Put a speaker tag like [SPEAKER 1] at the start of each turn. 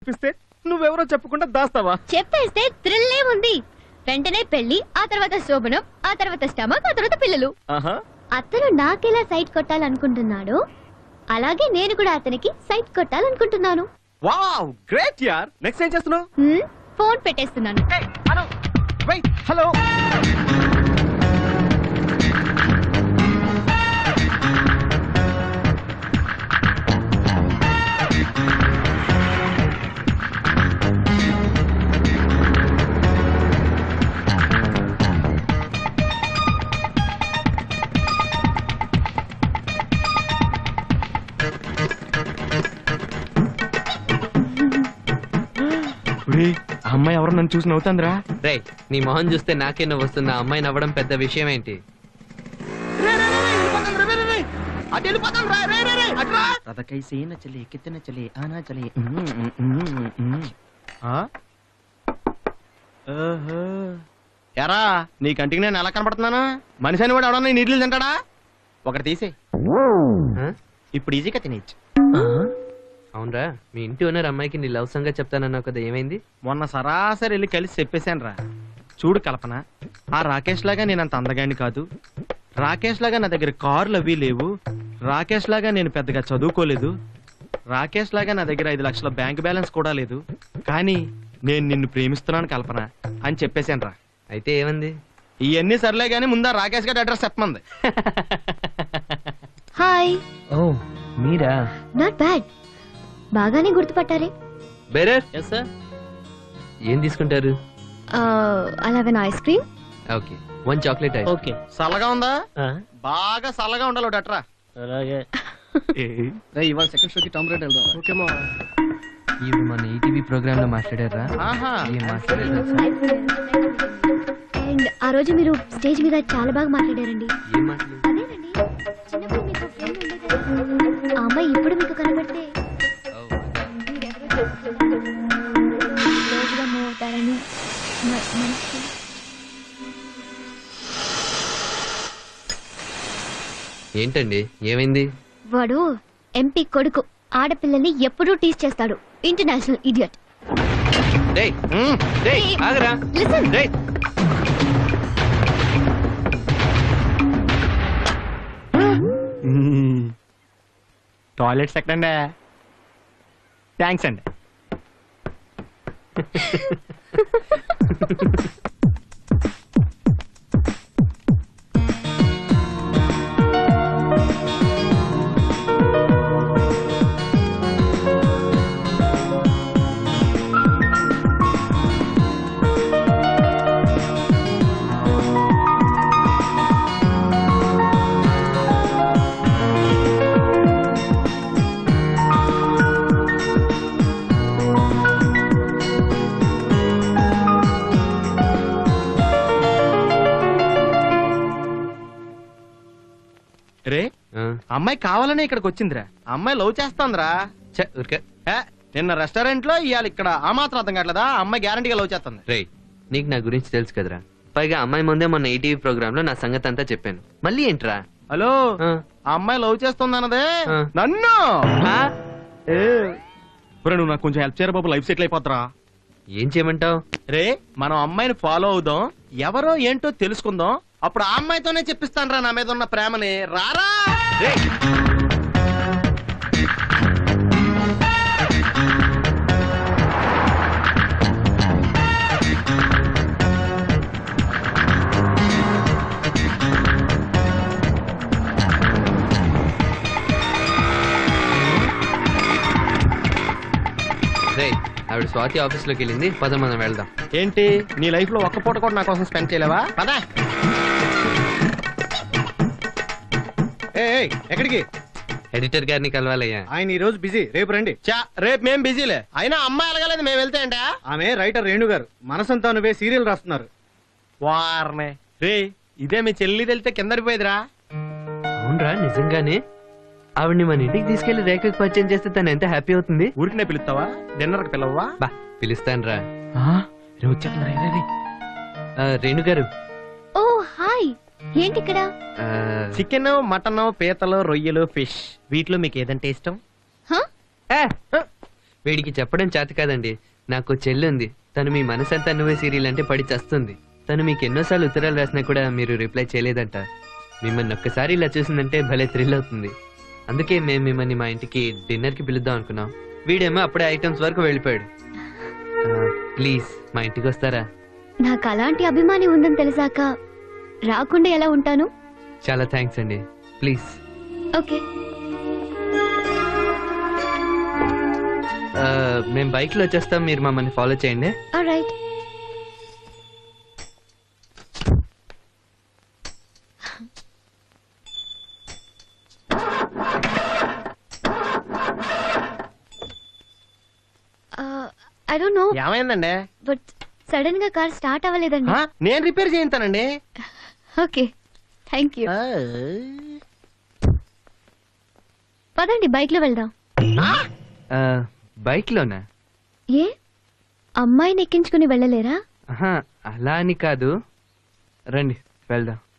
[SPEAKER 1] చూపిస్తే నువ్వెవరో చెప్పకుండా దాస్తావా?
[SPEAKER 2] చెప్పేస్తే థ్రిల్ ఏముంది? వెంటనే పెళ్లి, ఆ తర్వాత శోభనం, ఆ తర్వాత స్టమక్, ఆ తర్వాత పిల్లలు. అతను నాకెలా సైట్ కొట్టాలనుకుంటున్నాడు, అలాగే నేను కూడా అతనికి సైట్ కొట్టాలనుకుంటున్నాను.
[SPEAKER 1] వావ్, గ్రేట్ యార్. నెక్స్ట్ ఏం చేస్తున్నావు?
[SPEAKER 2] ఫోన్ పెట్టేస్తున్నాను.
[SPEAKER 1] Hello, wait, hello. అమ్మాయి ఎవరు నన్ను చూసి నవ్వుతుందిరా?
[SPEAKER 3] రే, నీ మొహం చూస్తే నాకే నవ్వు వస్తుంది. అమ్మాయి నవ్వడం పెద్ద విషయం ఏంటి?
[SPEAKER 1] ఎరా, నీ కంటికి నేను ఎలా కనపడుతున్నాను? మనిషి అని వాడు ఎవడన్నా నీళ్ళు తింటాడా? ఒకటి తీసే, ఇప్పుడు ఈజీగా తినేచ్చు.
[SPEAKER 3] అవునరా, మీ ఇంటి ఓనర్ అమ్మాయికి నీ లవ్ సంగతి చెప్తానన్నావు కదా, ఏమైంది?
[SPEAKER 1] మొన్న సరాసరి వెళ్ళి కలిసి చెప్పేశాను రా. చూడు కల్పన, ఆ రాకేష్ లాగా నేను అంత అందగాడిని కాదు, రాకేష్ లాగా నా దగ్గర కార్లు అవి లేవు, రాకేష్ లాగా నేను పెద్దగా చదువుకోలేదు, రాకేష్ లాగా నా దగ్గర 5 లక్షల బ్యాంక్ బ్యాలెన్స్ కూడా లేదు, కానీ నేను నిన్ను ప్రేమిస్తున్నాను కల్పన అని చెప్పేశాను రా.
[SPEAKER 3] అయితే ఏమంది?
[SPEAKER 1] ఇవన్నీ సర్లే గానీ ముందా రాకేష్ గారి అడ్రస్ చెప్పమంది.
[SPEAKER 2] హాయ్.
[SPEAKER 3] ఓ మీరా?
[SPEAKER 2] నాట్ బ్యాడ్, బాగానే గుర్తుపట్టారే.
[SPEAKER 3] బేరర్. yes sir. ఏం తీసుకుంటారు?
[SPEAKER 2] 11 ice cream.
[SPEAKER 3] Okay, 1 chocolate ice.
[SPEAKER 1] Okay, చల్లగా ఉందా? బాగా చల్లగా ఉండాలి ఒకటి అట్రా.
[SPEAKER 3] అలాగే.
[SPEAKER 1] ఇవాళ సెకండ్ షోకి టామ్ రేట్ వెళ్దాం. ఓకే మా.
[SPEAKER 3] ఇవి మన ఈటీవీ ప్రోగ్రామ్ లో మాట్లాడారా? ఏం మాట్లాడారు?
[SPEAKER 2] అండ్ ఆ రోజు మీరు స్టేజ్ మీద చాలా బాగా మాట్లాడారండి.
[SPEAKER 3] ఏం మాట్లాడారు?
[SPEAKER 2] అదేనండి, చిన్నప్పుడు మీకు ఫ్రెండ్ ఉండేది కదా, ఆ అమ్మాయి ఇప్పుడు మీకు కనబడితే రోజుగా మూవ్ అవుతారని మనసు.
[SPEAKER 3] ఏంటండి, ఏమైంది?
[SPEAKER 2] వాడు ఎంపీ కొడుకు, ఆడపిల్లల్ని ఎప్పుడూ టీస్ చేస్తాడు. International idiot.
[SPEAKER 3] డేయ్ డేయ్ ఆగరా.
[SPEAKER 2] లిసన్.
[SPEAKER 3] డేయ్
[SPEAKER 1] టాయిలెట్స్ ఎక్కడండి? థ్యాంక్స్ అండి. రే, అమ్మాయి కావాలనే ఇక్కడికి వచ్చిందిరా. అమ్మాయి లవ్ చేస్తాందిరా. నిన్న రెస్టారెంట్ లో ఇవాళ ఇక్కడ ఆ మాత్రం అర్థం కావట్లేదా? అమ్మాయి గ్యారంటీగా లవ్ చేస్తుంది.
[SPEAKER 3] రే, నీకు నా గురించి తెలుసు కదరా. పైగా అమ్మాయి ముందే మొన్న ఈటీవీ ప్రోగ్రామ్ లో నా సంగతి అంతా చెప్పాను. మళ్ళీ ఏంట్రా?
[SPEAKER 1] హలో, ఆ అమ్మాయి లవ్ చేస్తుంది అన్నదే నన్ను. నువ్వు నాకు కొంచెం హెల్ప్ చేయరా బాబు, లైఫ్ సెటిల్ అయిపోతారా.
[SPEAKER 3] ఏం చేయమంటావు?
[SPEAKER 1] రే, మనం అమ్మాయిని ఫాలో అవుదాం, ఎవరో ఏంటో తెలుసుకుందాం, అప్పుడు ఆ అమ్మాయితోనే చెప్పిస్తాను రా నా మీద ఉన్న ప్రేమని. రారా.
[SPEAKER 3] ఆవిడ స్వాతి ఆఫీస్ లోకి వెళ్ళింది, పద మనం వెళ్దాం.
[SPEAKER 1] ఏంటి, నీ లైఫ్ లో ఒక్క పూట కూడా నా కోసం స్పెండ్ చేయలేవా? పదా. ఎక్కడికి?
[SPEAKER 3] ఎడిటర్ గారిని కలవాలయ్యా.
[SPEAKER 4] ఆయన ఈ రోజు బిజీ, రేపు రండి.
[SPEAKER 1] రేపు మేం బిజీలే. అయినా అమ్మాయి ఎలగలేదు, మేము వెళ్తే అంటే.
[SPEAKER 4] ఆమె రైటర్ రేణు గారు, మనసంతా నువ్వే సీరియల్ రాస్తున్నారు.
[SPEAKER 1] వారనే రే, ఇదే మీ చెల్లి వెళ్తే కిందరిపోయేదిరా.
[SPEAKER 3] అవునరా, నిజంగానే. ఆవిడ్ని మన ఇంటికి తీసుకెళ్లి రేఖకు పరిచయం చేస్తే తను ఎంత హ్యాపీ అవుతుంది.
[SPEAKER 1] ఊరికినే పిలుస్తావా? డిన్నర్ కి పిలవా?
[SPEAKER 3] బా, పిలుస్తాను రా.
[SPEAKER 1] రేణు గారు.
[SPEAKER 2] ఓ హాయ్, ఏంటి ఇక్కడ?
[SPEAKER 1] చికెన్, మటన్, పీతలు, రొయ్యలు, ఫిష్, వీటిలో మీకు ఏదంటే ఇష్టం?
[SPEAKER 3] వీడికి చెప్పడం చేత కాదండి. నాకు చెల్లి ఉంది. తను మీ మనసంతా నువ్వే సీరియల్ అంటే పడి చస్తుంది. తను మీకు ఎన్నోసార్లు ఉత్తరాలు రాసినా కూడా మీరు రిప్లై చేయలేదంట. మిమ్మల్ని ఒక్కసారి ఇలా చూసిందంటే భలే థ్రిల్ అవుతుంది. అందుకే మేము మిమ్మల్ని మా ఇంటికి డిన్నర్కి పిలుద్దాం అనుకున్నాం. వీడేమో అప్పుడే ఐటమ్స్ వరకు వెళ్ళిపోయాడు. ప్లీజ్ మా ఇంటికి వస్తారా?
[SPEAKER 2] నాకు అలాంటి అభిమాని ఉందని తెలిసాక రాకుండా ఎలా ఉంటాను?
[SPEAKER 3] చాలా థ్యాంక్స్ అండి. ప్లీజ్.
[SPEAKER 2] ఓకే.
[SPEAKER 3] మేము బైక్లో వచ్చేస్తాం, మీరు మమ్మల్ని ఫాలో చేయండి.
[SPEAKER 2] ఆల్రైట్. ఐ డోంట్ నో
[SPEAKER 1] ఏమైందండి?
[SPEAKER 2] బట్ సడన్ గా కార్ స్టార్ట్ అవ్వలేదండి.
[SPEAKER 1] నేను రిపేర్ చేయించానండి.
[SPEAKER 2] Okay, thank you. పదండి బైక్ లో వెళ్దాం.
[SPEAKER 3] బైక్లోనా?
[SPEAKER 2] ఏ అమ్మాయిని ఎక్కించుకుని వెళ్ళలేరా?
[SPEAKER 3] అలా అని కాదు, రండి వెళ్దాం.